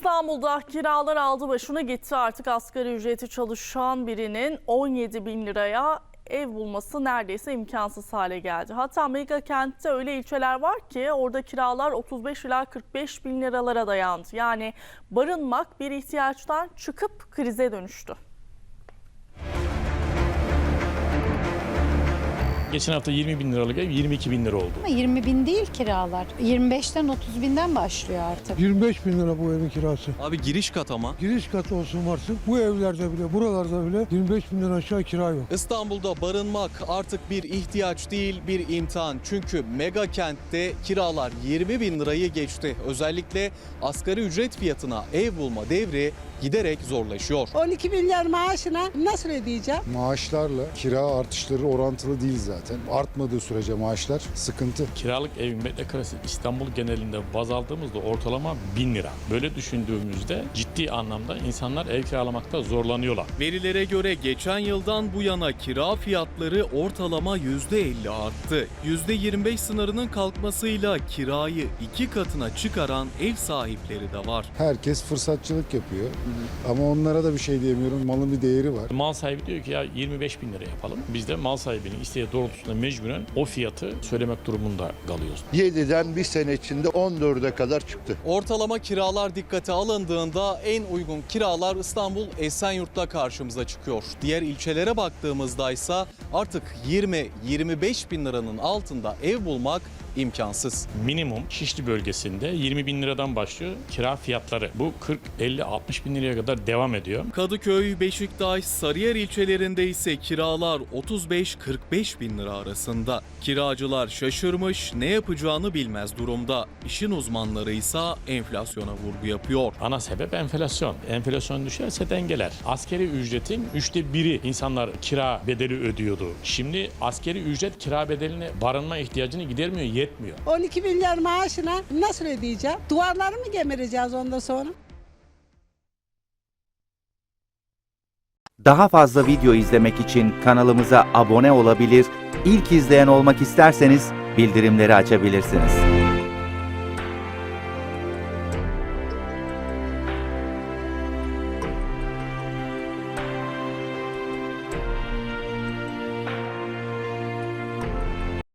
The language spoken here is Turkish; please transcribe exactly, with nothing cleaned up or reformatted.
İstanbul'da kiralar aldı başına gitti. Artık asgari ücreti çalışan birinin on yedi bin liraya ev bulması neredeyse imkansız hale geldi. Hatta mega kentte öyle ilçeler var ki orada kiralar otuz beş ila kırk beş bin liralara dayandı. Yani barınmak bir ihtiyaçtan çıkıp krize dönüştü. Geçen hafta yirmi bin liralık ev yirmi iki bin lira oldu. yirmi bin değil kiralar. yirmi beşten otuz binden başlıyor artık. yirmi beş bin lira bu evin kirası. Abi giriş kat ama. Giriş katı olsun varsın. Bu evlerde bile, buralarda bile yirmi beş binden aşağı kira yok. İstanbul'da barınmak artık bir ihtiyaç değil, bir imtihan. Çünkü mega kentte kiralar yirmi bin lirayı geçti. Özellikle asgari ücret fiyatına ev bulma devri giderek zorlaşıyor. on iki milyar maaşına nasıl ödeyeceğim? Maaşlarla kira artışları orantılı değil zaten. Artmadığı sürece maaşlar sıkıntı. Kiralık evin metrekaresi İstanbul genelinde baz aldığımızda ortalama bin lira. Böyle düşündüğümüzde ciddi anlamda insanlar ev kiralamakta zorlanıyorlar. Verilere göre geçen yıldan bu yana kira fiyatları ortalama yüzde elli arttı. yüzde yirmi beş sınırının kalkmasıyla kirayı iki katına çıkaran ev sahipleri de var. Herkes fırsatçılık yapıyor. Ama onlara da bir şey diyemiyorum. Malın bir değeri var. Mal sahibi diyor ki ya yirmi beş bin lira yapalım. Biz de mal sahibinin isteği doğrultusunda mecburen o fiyatı söylemek durumunda kalıyoruz. yediden bir sene içinde on dörde kadar çıktı. Ortalama kiralar dikkate alındığında en uygun kiralar İstanbul Esenyurt'ta karşımıza çıkıyor. Diğer ilçelere baktığımızda ise artık yirmi yirmi beş bin liranın altında ev bulmak imkansız. Minimum Şişli bölgesinde yirmi bin liradan başlıyor kira fiyatları. Bu kırk elli altmış bin liraya kadar devam ediyor. Kadıköy, Beşiktaş, Sarıyer ilçelerinde ise kiralar otuz beş kırk beş bin lira arasında. Kiracılar şaşırmış, ne yapacağını bilmez durumda. İşin uzmanları ise enflasyona vurgu yapıyor. Ana sebep enflasyon. Enflasyon düşerse dengeler. Asgari ücretin üçte biri insanlar kira bedeli ödüyordu. Şimdi asgari ücret kira bedelini, barınma ihtiyacını gidermiyor, yetmiyor. on iki milyar maaşına nasıl ödeyeceğim? Duvarları mı gemireceğiz ondan sonra? Daha fazla video izlemek için kanalımıza abone olabilir, ilk izleyen olmak isterseniz bildirimleri açabilirsiniz.